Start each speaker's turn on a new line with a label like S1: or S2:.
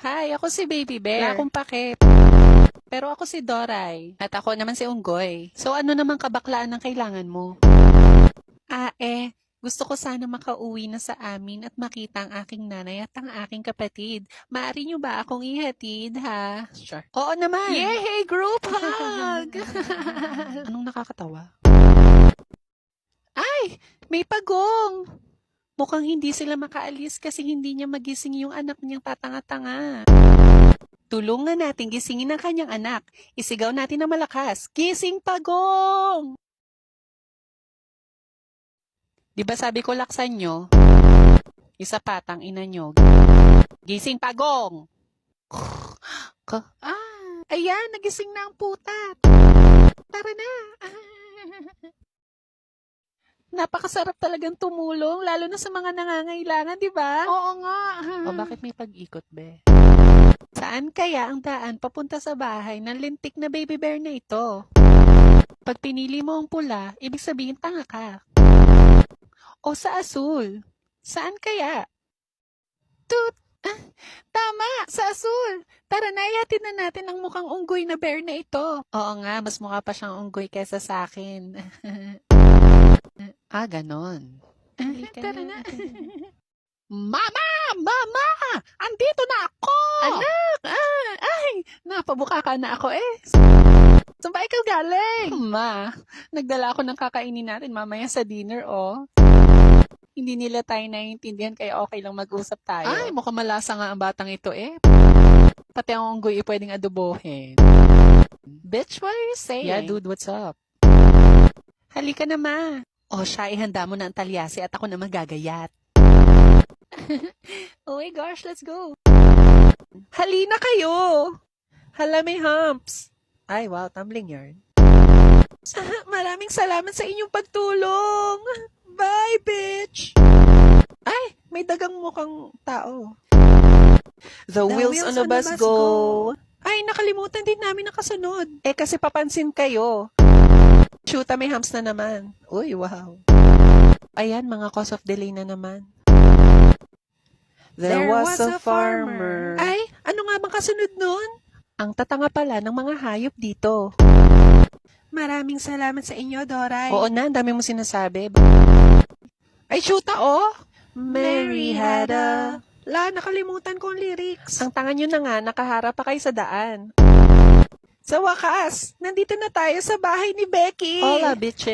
S1: Hi, ako si Baby Bear. Wala akong pake. Pero ako si Doray. At ako naman si Unggoy. So ano naman kabaklaan ang kailangan mo? Gusto ko sana makauwi na sa amin at makita ang aking nanay at ang aking kapatid. Maaari niyo ba akong ihatid, ha? Sure. Oo naman. Yay! Group hug! Anong nakakatawa? Ay! May pagong! Mukhang hindi sila makaalis kasi hindi niya magising yung anak niyang tatanga-tanga. Tulungan natin gisingin ang kanyang anak. Isigaw natin na malakas. Gising pagong! Di ba sabi ko laksan nyo? Isa patang ina nyo. Gising pagong! Ayan, nagising na ang putat. Tara na. Napakasarap talagang tumulong, lalo na sa mga nangangailangan, di ba? Oo nga. O bakit may pag-ikot, be? Saan kaya ang daan papunta sa bahay ng lintik na baby bear na ito? Pag pinili mo ang pula, ibig sabihin tanga ka. O sa asul? Saan kaya? Tama! Sa asul! Tara na, ihatid na natin ang mukhang unggoy na bear na ito. Oo nga, mas mukha pa siyang unggoy kesa sa akin. Ganon. Tara na. Mama! Mama! Andito na ako! Anak! Napabuka ka na ako eh. Saan ba ikaw galing? Ma, nagdala ako ng kakainin natin mamaya sa dinner, oh. Hindi nila tayo naiintindihan kaya okay lang mag-usap tayo. Ay, mukhang malasa nga ang batang ito eh. Pati ang unggoy pwedeng adobohin. Bitch, what are you saying? Yeah, dude, what's up? Halika na, ma. O siya, ihanda mo na ang talyasi at ako na magagayat. Oh my gosh, let's go. Halina kayo. Hala, may humps. Ay, wow, tumbling yarn. Maraming salamat sa inyong pagtulong. Bye, bitch! Ay, may dagang mukhang tao. The wheels on the bus go. Ay, nakalimutan din namin nakasunod. Kasi papansin kayo. Shoota, may humps na naman. Uy, wow. Ayan, mga cause of delay na naman. There was a farmer. Ay, ano nga bang kasunod nun? Ang tatanga pala ng mga hayop dito. Maraming salamat sa inyo, Doray. Oo na, ang dami mo sinasabi. Ay, shoota, oh! Mary had a... nakalimutan ko ang lyrics. Ang tanga nyo na nga, nakaharap pa kayo sa daan. Sa wakas, nandito na tayo sa bahay ni Becky. Hola, bitches.